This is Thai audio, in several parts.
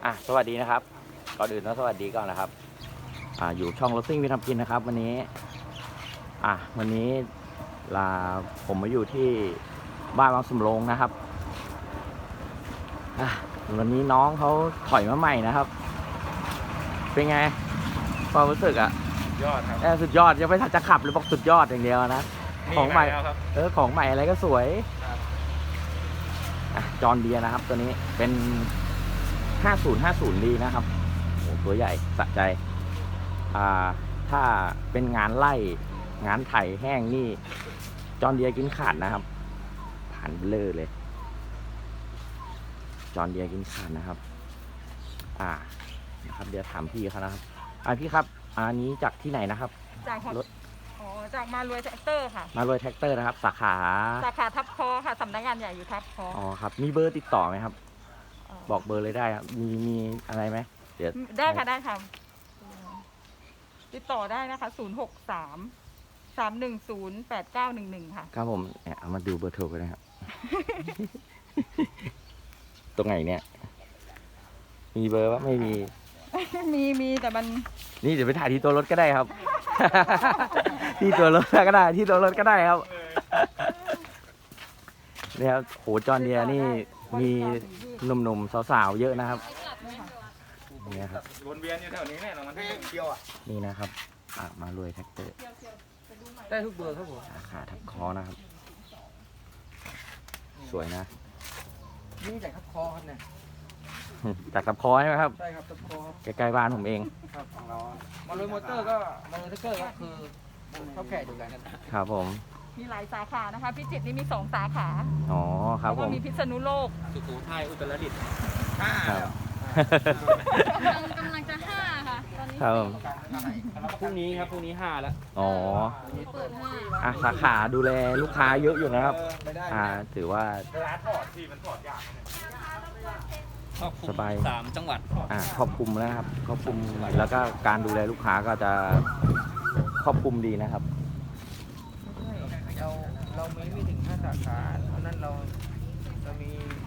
สวัสดีนะครับก่อนอื่นต้องสวัสดีก่อนนะครับอยู่ช่องรถซิ่งมีทำกินนะครับวันนี้วันนี้ผมมาอยู่ที่บ้านวังสำโรงนะครับวันนี้น้องเขาถอยมาใหม่นะครับเป็นไงความรู้สึกยอดครับสุดยอดยังไม่ทันจะขับเลยบอกสุดยอดอย่างเดียวนะของใหม่ของใหม่อะไรก็สวยจอห์นเดียร์นะครับตัวนี้เป็น5050ดีนะครับโอ้ตัวใหญ่สะใจถ้าเป็นงานไล่งานไถแห้งนี่จอห์นเดียร์กินขาดนะครับผ่านเบลอเลยจอห์นเดียร์กินขาดนะครับนะครับเดี๋ยวถามพี่เขานะครับพี่ครับอันนี้จากที่ไหนนะครับจากรถจากมารวยแท็กเตอร์ค่ะมารวยแท็กเตอร์นะครับสาขาทับคอค่ะสำนักงานใหญ่อยู่ทับคอครับมีเบอร์ติดต่อไหมครับบอกเบอร์เลยได้ครับมีอะไรไหมเดี๋ยวได้ค่ะติดต่อได้นะคะ063-310-8911ค่ะครับผมเอามาดูเบอร์โทรกันนะครับ ตรงไหนเนี่ยมีเบอร์ว่าไม่มีมีแต่มันนี่เดี๋ยวไปถ่ายที่ตัวรถก็ได้ครับ ที่ตัวรถก็ได้ที่ตัวรถก็ได้ครับเนี่ยครับโหจอห์นเดียร์นี่มีหนุ่มๆสาวๆเยอะนะครับนี่ครับวนเวียนอยู่แถวนี้เนี่ยเรามันเที่ยวนี่นะครับมารวยแท็กเตอร์ได้ทุกเบอร์ครับผมสาขาทับคอนะครับสวยนะนี่จากทับคอครับเนี่ยจากทับคอใช่ไหมครับใช่ครับทับคอใกล้ๆบ้านผมเองครับของเรามารวยมอเตอร์ก็มารวยแท็กเตอร์ก็คือเท่าแก่ดูกันครับผมมีหลายสาขานะคะพิจิตรนี่มี2 สาขาครับผมมีพิษณุโลกสุโขทัยอุตรดิตถ์กำลังจะ5ค่ะตอนนี้พรุ่งนี้5แล้วเปิด 5สาขาดูแลลูกค้าเยอะอยู่นะครับถือว่าร้านถอดที่มันถอดยากสบาย 3 จังหวัดครอบคลุมนะครับครอบคลุมแล้วก็การดูแลลูกค้าก็จะครอบคลุมดีนะครับเราไม่ถึง5 สาขาเพราะนั้นเรามี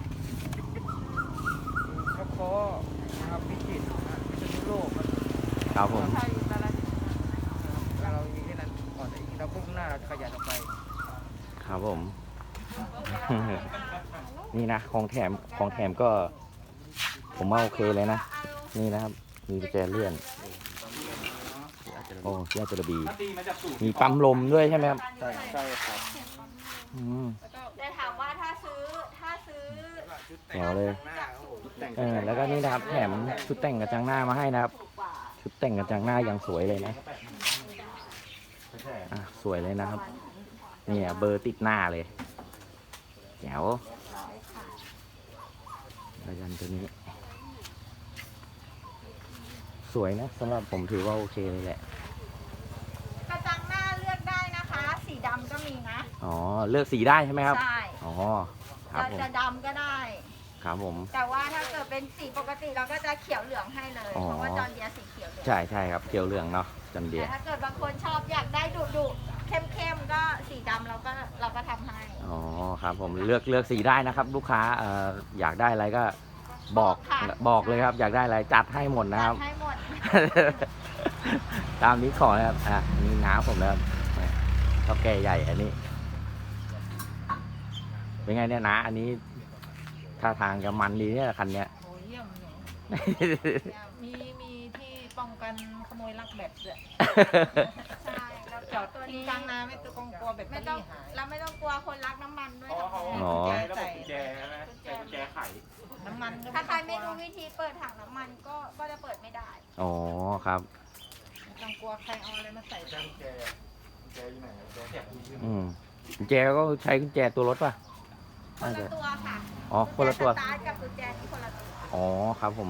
ทับคอนะครับพิจิตรพิษณุโลกครับผมเรามีแค่นั้นก่อนอีกเราพุ่งหน้าเราจะขยันออกไปครับผม นี่นะของแถมก็ผมว่าโอเคเลยนะนี่นะครับมีกุญแจเลื่อนที่อาจจะบีมีปั๊มลมด้วยใช่ไหมครับใช่ครับจะถามว่าถ้าซื้อแถวเลยแล้วก็นี่นะครับแถมชุดแต่งกระจังหน้ามาให้นะครับชุดแต่งกระจังหน้าอย่างสวยเลยนะสวยเลยนะครับนี่เบอร์ติดหน้าเลยแถวระยันตัวนี้สวยนะสำหรับผมถือว่าโอเคเลยแหละกระจังหน้าเลือกได้นะคะสีดำก็มีนะเลือกสีได้ใช่ไหมครับใช่ครับผมจะดำก็ได้ครับผมแต่ว่าถ้าเกิดเป็นสีปกติเราก็จะเขียวเหลืองให้เลยเพราะว่าจอห์นเดียร์สีเขียวเหลืองใช่ครับเขียวเหลืองเนาะจอห์นเดียร์ถ้าเกิดบางคนชอบอยากได้ดุเข้มก็สีดำเราก็ทำให้ครับผมเลือกสีได้นะครับลูกค้าอยากได้อะไรก็บอกเลยครับอยากได้อะไรจัดให้หมดนะครับให้หมดตามนี้ขอนะครับนี่น้าผมนะครับเท่าแก่ใหญ่อันนี้เป็นไงเนี่ยนะอันนี้ท่าทางจะมันดีเนี่ยคันเนี้ยเยี่ยมมีที่ป้องกันขโมยลักแบตด้วยใช่เราจอดตัวนี้กลางนาไม่ต้องกลัวแบตไม่ต้องเราไม่ต้องกลัวคนรักน้ำมันด้วยใส่กุญแจนะกุญแจไขน้ำมันถ้าใครไม่รู้วิธีเปิดถังน้ำมันก็จะเปิดไม่ได้ครับต้องกลัวใครเอาอะไรมาใส่กุญแจอยู่ไหนกุญแจกุญแจก็ใช้กุญแจตัวรถป่ะคนละตัวค่ะคนละตัวสตาร์ทกับกุญแจที่คนละตัวครับผม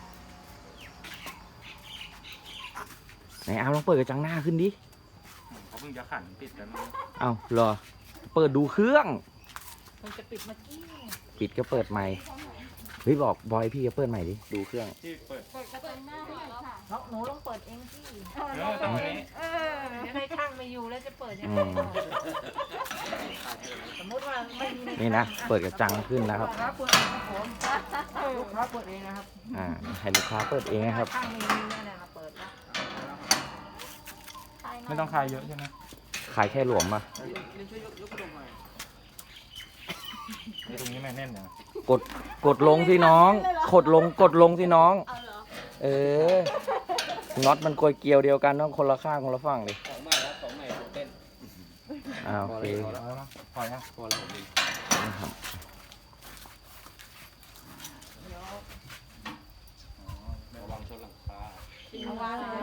ไหนลองเปิดกระจังหน้าขึ้นดิเขาเพิ่งจะขันปิดกันเหรอเปิดดูเครื่องมันจะปิดเมื่อกี้ปิดก็เปิดใหม่เฮ้ยบอกบอยพี่จะเปิดใหม่ดิดูเครื่องที่เปิดเปิดกระจกหน้าให้หน่อยค่ะหนูลองเปิดเองสิตรงนี้เดี๋ยวให้ช่างไม่อยู่แล้วจะเปิดยังอืไงมสมมติว่าไม่มีนี่นะเปิดกระจังขึ้นแล้วครับลูกค้าเปิดเองครับผมลูกค้าเปิดเองนะครับให้ลูกค้าเปิดเองนะครับช่างไม่มีเนี่ยนะเปิดแล้วไม่ต้องคลายเยอะใช่ไหมขายแค่หลวมมาช่วยยกกระดกหน่อยตรงนี้แม่แน่นนะกดลงสิน้องกดลงสิน้องเอาเหรอเออน็อตมันกลวยเกลียวเดียวกันต้องคนละข้างคนละฝั่งดิของใหม่แล้วของใหม่เต้นโอเคพอแล้วพอแล้วพอแล้วผมดีนะครับระวังชนหลังคาเอาวางเลย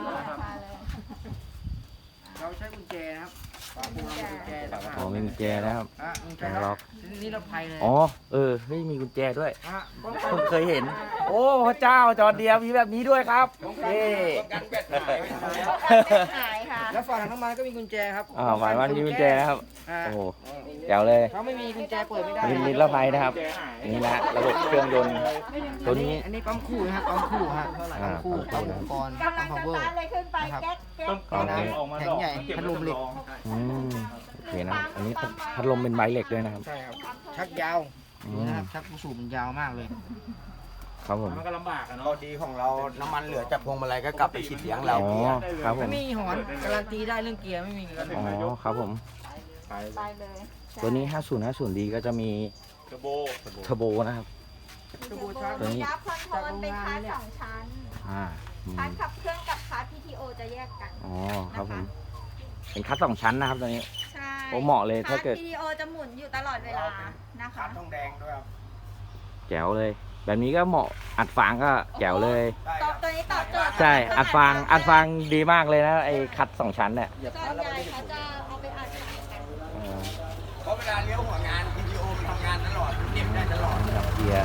เราใช้กุญแจนะครับฝาปูเรามีกุญแจนะครับอ๋อไม่มีแจนะครับกุญแจแกงล็ล็ออก กนี่เราภัยเลยอ๋อเฮ้ยมีกุญแจด้วยป้องเพิ่งเคยเห็น โอ้พระเจ้าจอเดียวมีแบบนี้ด้วยครับเย้กันแบตหายหายค่ะแล้วฝาถังน้ำมันก็มีกุญแจครับหมายว่ามีกุญแจนะครับอ่าโอ้โหแจ๋วเลยเขาไม่มีกุญแจเปิดไม่ได้นิรภัยนะครับนี่นะระบบเครื่องยนต์ตัวนี้อันนี้ปั๊มคู่นะครับปั๊มคู่ฮะปั๊มคู่อ่าปั๊มอุปกรณ์กำลัปั๊งมจะ power ตาร์ทเลยขึ้นไปแก๊กแก๊กต้องเอาออกมาแข็งใหญ่พัดลมเหล็กอืมโอเคนะอันนี้พัดลมเป็นใบเหล็กด้วยนะครับใช่ครับชักยาวอืดูมนะครับชักลูกสูบมันยาวมากเลยครับผมมันก็ลำบากอะข้อเนาะดีของเราน้ำมันเหลือจากพวงมาลัยก็กลับไปฉีดเลี้ยงเราอ๋อครับผมไม่มีหอนการันตีได้เรื่องเกียร์ไม่มีการันตีอ๋อครับผมไปไปเลยตัวนี้ 5050D ก็จะมีเทอร์โบเทอร์โบนะครับ ตัวนี้ยับคอนโทรลเป็นคาร์ด2ชั้นอืมคาร์ดขับเคลื่อนกับคาร์ด PTO จะแยกกันอ๋อครับผมเป็นคัส2ชั้นนะครับตัวนี้ใช่โอ้เหมาะเลยถ้าเกิดคร์ PTO จะหมุนอยู่ตลอดเวลานะคะขาดทองแดงด้วยครับแจ๋วเลย แบบนี้ก็เหมาะอัดฟางก็แจ๋วเลยตัวนี้ตอบโจทย์ใช่อัดฟางดีมากเลยนะไอ้คัด2ชั้นเนี่ยส่วนใหญ่เขาจะเอาไปอัดขายกันเออเพราะเวลาเลี้ยวหัวงาน PTO มันทำงานตลอดเก็บได้ตลอดดับเกียร์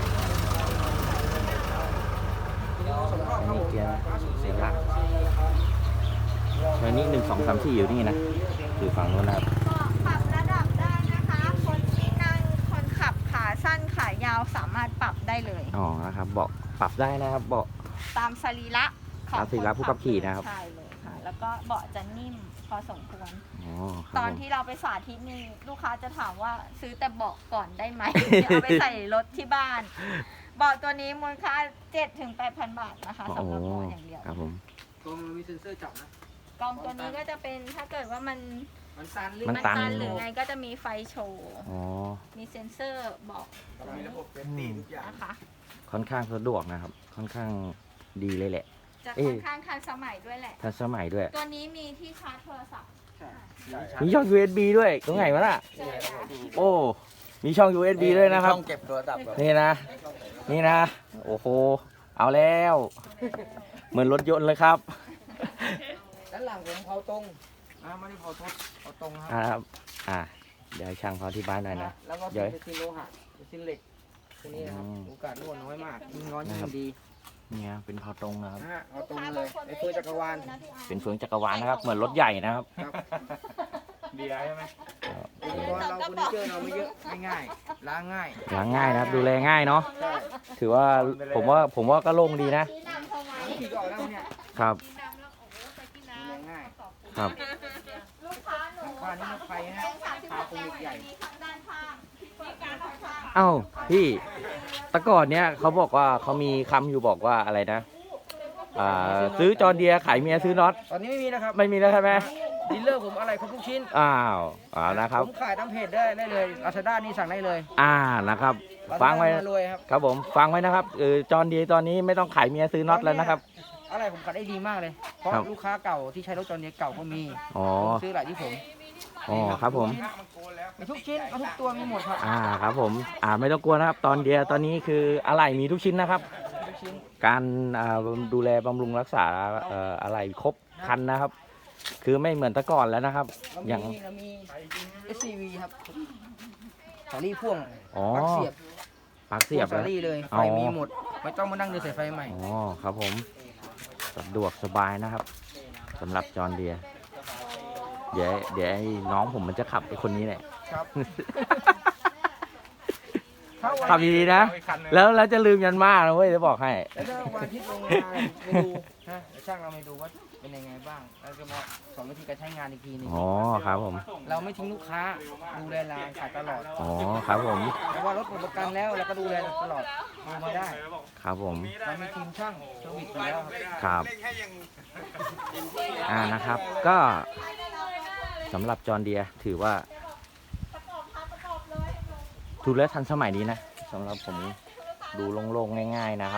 อันนี้เกียร์เสียหลักตัวนี้1 2 3 4อยู่นี่นะคือฝั่งนู้นนะครับก็ปรับระดับได้นะคะ คนที่นั่งคนขับขาสั้นขายาวสามารถปรับได้เลยอ๋อนะครับเบาะปรับได้นะครับเบาะตามสรีระของตามสรีระผู้ขับขี่นะครับใช่เลยค่ะ แล้วก็เบาะจะนิ่มพอสมควรอ๋อคตรับอนผมที่เราไปสาธิตนี่ลูกค้าจะถามว่าซื้อแต่เบาะก่อนได้ไหม เอาไปใส่รถที่บ้าน เบาะตัวนี้มูลค่า 7-8,000 บาทนะคะสำหรับเบาะอย่างเดียวครับผมตัวมันมีเซ็นเซอร์จับนะกองตัวนี้ก็จะเป็นถ้าเกิดว่ามันมันตันหรือมันตันหรือไงก็จะมีไฟโชว์อ๋อมีเซ็นเซอร์บอกตรงมีนี้ระบบเซฟตี้ทุกอย่างนะคะค่อนข้างสะดวกนะครับ ค่อนข้างดีเลยแหละจะเอ๊ะค่อนข้างทันสมัยด้วยแหละทันสมัยด้วยตัวนี้มีที่ชาร์จโทรศัพท์ใช่มีช่อง USB ด้วยตรงไหนวะน่ะใช่ค่ะโอ้ มีช่อง USB ด้วยนะครับช่องเก็บโทรศัพท์แบบนี่นะ นี่นะ โอ้โห เอาแล้ว เหมือนรถยนต์เลยครับด้านหลังผมเผาตรงไม่ได้เผาทดเผาตรงคอ่ารับครับเดี๋ยวให้ช่างเขาที่บ้านหน่อยนะแล้วก็เดี๋ยวเป็นซินโลหะเป็นซินเหล็กตัวนี้นะครับอืมโอกาสรั่วน้อยมากยิ่งน้อยยิ่นะครับงดีเนี่ยเป็นพอตรงนะครับนะฮะเอาตรงเลยไอ้เฟื่องจักรวาลเป็นเฟืองจักรวาลนะครับ เหมือนรถใหญ่นะครับครับดีได้ใช่ไหมอุปกรณ์เราเฟอร์นิเจอร์เราไม่เยอะไม่ง่ายล้างง่ายล้างง่ายนะครับ ดูแลง่ายเนาะใช่ถือว่าผมว่าก็โล่งดีนะที่นำเข้ามาล้างขี่ก็ออกแล้วเนี่ยครับที่นำแล้วโอ้โหใส่ที่น้ดูแลง่ายครับำลูกค้าหนูผ้านี่มันไฟนะเป็นผ้า 36 คงใหญ่มีทั้งด้านข้างที่เปิดการข้างเอ้าพี่แต่ก่อนเนี้ยเขาบอกว่าเขามีคำอยู่บอกว่าอะไรนะซื้อจอร์เดียขายเมียซื้อน็อตตอนนี้ไม่มีนะครับไม่มีแล้วใช่ไหมดีลเลอร์ผมอะไรครบทุกชิ้นเอานะครับผมขายตามเพจได้เลยลาซาด้านี่สั่งได้เลยนะครับ ฟังไว้มารวยครับครับผมฟังไว้นะครับจอร์เดียตอนนี้ไม่ต้องขายเมียซื้อน็อตแล้วนะครับอะไรผมขายได้ดีมากเลย เพราะครับลูกค้าเก่าที่ใช้รถจอร์เดียเก่าก็มีอ๋อผมซื้อหลายที่ผมอ๋อครับผมมีทุกชิ้นเอาทุกตัวมีหมดครับครับผมไม่ต้องกลัวนะครับ ตอนเดียตอนนี้คืออะไหล่มีทุกชิ้นนะครับทุกชิ้นการดูแลบำรุงรักษาอะไหล่ครบครันนะครับ คือไม่เหมือนแต่ก่อนแล้วนะครับ อย่างเรามี SCV ครับสายรีพ่วงอ๋อปลั๊กเสียบปลั๊กเสียบสาแล้ยว รีเลยอ๋ไฟอมีหมด ไม่ต้องมานั่งเดินสายไฟใหม่อ๋อครับผมสะดวกสบายนะครับสำหรับจอร์เดียเดี๋ยวไอ้น้องผมมันจะขับไอ้คนนี้แหละครับ ทขับดีๆนะเอาอีกคันหนึ่งแล้วจะลืมยันมานะเว้ยจะบอกให้แล้วถ้าวันอาทิตย์ลงมาไปดูนะเดี๋ยวช่างเราไปดูว่าเป็นยังไงบ้างแล้วจะมาสอนวิธีการใช้งานอีกทีหนึงอ๋อครับผมเราไม่ทิ้งลูกค้าดูแลร้านขายตลอดอ๋อครับผมเพราะว่ารถหมดประกันแล้วเราก็ดูแลตลอดดูมาได้ครับผมเรามีทีมช่างเซอร์วิสอยู่แล้วครับครับเร่งให้ยังนะครับ ก็สำหรับจอห์นเดียร์ถือว่าถูกและทันสมัยดีนะสำหรับผมดูโล่งๆง่าย ๆนะครับ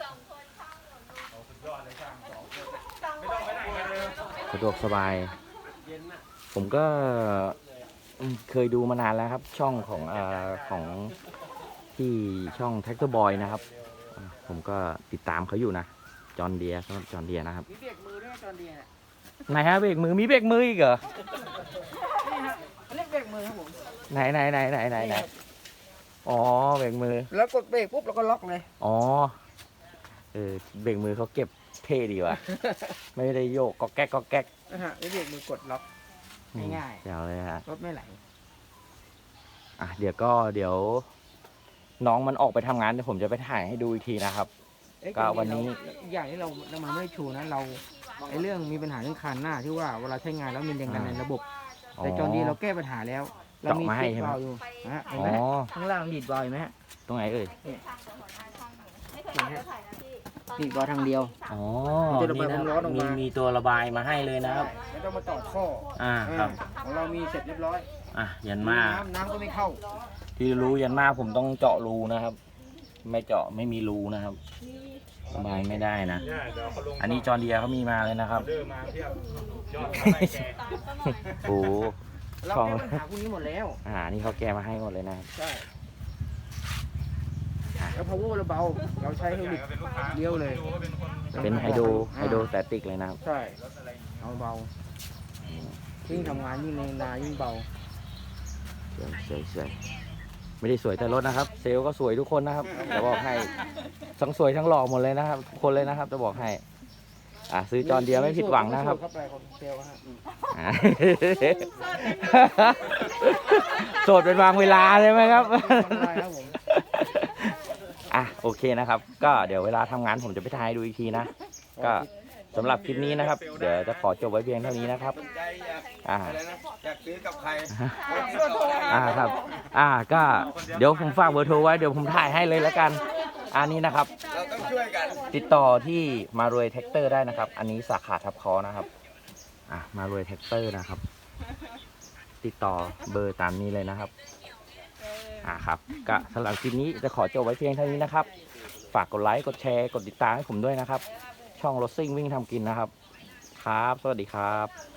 สะดวกสบาย ผมก็เคยดูมานานแล้วครับ ช่องของที่ช่อง Tractor Boy นะครับผมก็ติดตามเขาอยู่นะจอห์นเดียร์สำหรับจอห์นเดียร์นะครับมีเบรกมือด้วยตอนเดียวเนี่ยไหนฮะเบรกมือมีเบรกมืออีกเหรอนี่ฮะอันนี้เบรกมือครับผมไหนอ๋อเบรกมือแล้วกดเบรกปุ๊บเราก็ล็อกเลยอ๋อเบรกมือเขาเก็บเท่ดีว่ะ ไม่ได้โยกก็แก๊กก็แก๊กนะฮะนี่เบรกมือกดล็อก ง่ายๆเดี๋ยวเลยฮะรถไม่ไหลอ่ะเดี๋ยวน้องมันออกไปทำงานเดี๋ยวผมจะไปถ่ายให้ดูอีกทีนะครับเอ๊ะก็วันนี้อย่างที่เรามันไม่ได้ชูนะเราไอ้เรื่องมีปัญหาเรื่องคานหน้าที่ว่าเวลาใช้งานแล้วมีแรงดันในระบบ แต่จอดีเราแก้ปัญหาแล้ว เรามีเจาะมาให้ติดใช่ไหมวาล์วอยู่นะฮะเห็นอ๋ไหมอข้างล่างดีดวาล์วเห็นไหมฮะตรงไหนเอ่ยดีดวาล์วทางเดียวอ๋อมันจะระบายความร้อนออกมามีตัวระบายมาให้เลยนะครับไม่ต้องมาต่อท่อครับของเรามีเสร็จเรียบร้อยยันมาน้ำก็ไม่เข้าที่รู้ยันมาผมต้องเจาะรูนะครับ ไม่เจาะไม่มีรูนะครับระบายไม่ได้นะเนี่ยเดี๋ยวเขาลงอันนี้จอห์นเดียร์เขามีมาเลยนะครับเดินมาเทียบยอดแกโอ้โหเราของแก้ปัญหาพวกนี้หมดแล้วนี่เขาแก้มาให้หมดเลยนะครับใช่แล้ว power เราเบาเราใช้เฮลิคเดียวเลยเป็นไฮโดรสแตติกเลยนะครับใช่เอาเบายิ่งทำงานยิ่งในนายิ่งเบาสวยไม่ได้สวยแต่รถนะครับ เซลล์ก็สวยทุกคนนะครับจะบอกให้ทั้งสวยทั้งหล่อหมดเลยนะครับทุกคนเลยนะครับจะบอกให้ซื้อจอห์นเดียร์ไม่ผิดหวังนะครับเข้าไปคนเซลล์ฮะโสดเป็นบางเวลาใช่ไหมครับทำลายครับผมโอเคนะครับ ก็เดี๋ยวเวลาทำงานผมจะไปถ่ายดูอีกทีนะ ก็สำหรับคลิปนี้นะครับ เดี๋ยวจะขอจบไว้เพียงเท่านี้นะครับสนใจอยากอ่าอะไรนะอยากซื้อกับใครครับก็เดี๋ยวผมฝากเบอร์โทรไว้เดี๋ยวผมถ่ายให้เลยแล้วกัน อันนี้นะครับเราต้องช่วยกันติดต่อที่มารวยแท็กเตอร์ได้นะครับ อันนี้สาขาทับคอนะครับมารวยแท็กเตอร์นะครับ ติดต่อเบอร์ตามนี้เลยนะครับครับก็สำหรับคลิปนี้จะขอจบไว้เพียงเท่านี้นะครับ ฝากกดไลค์กดแชร์กดติดตามให้ผมด้วยนะครับ ช่องรถซิ่งวิ่งทำกินนะครับ ครับ สวัสดีครับ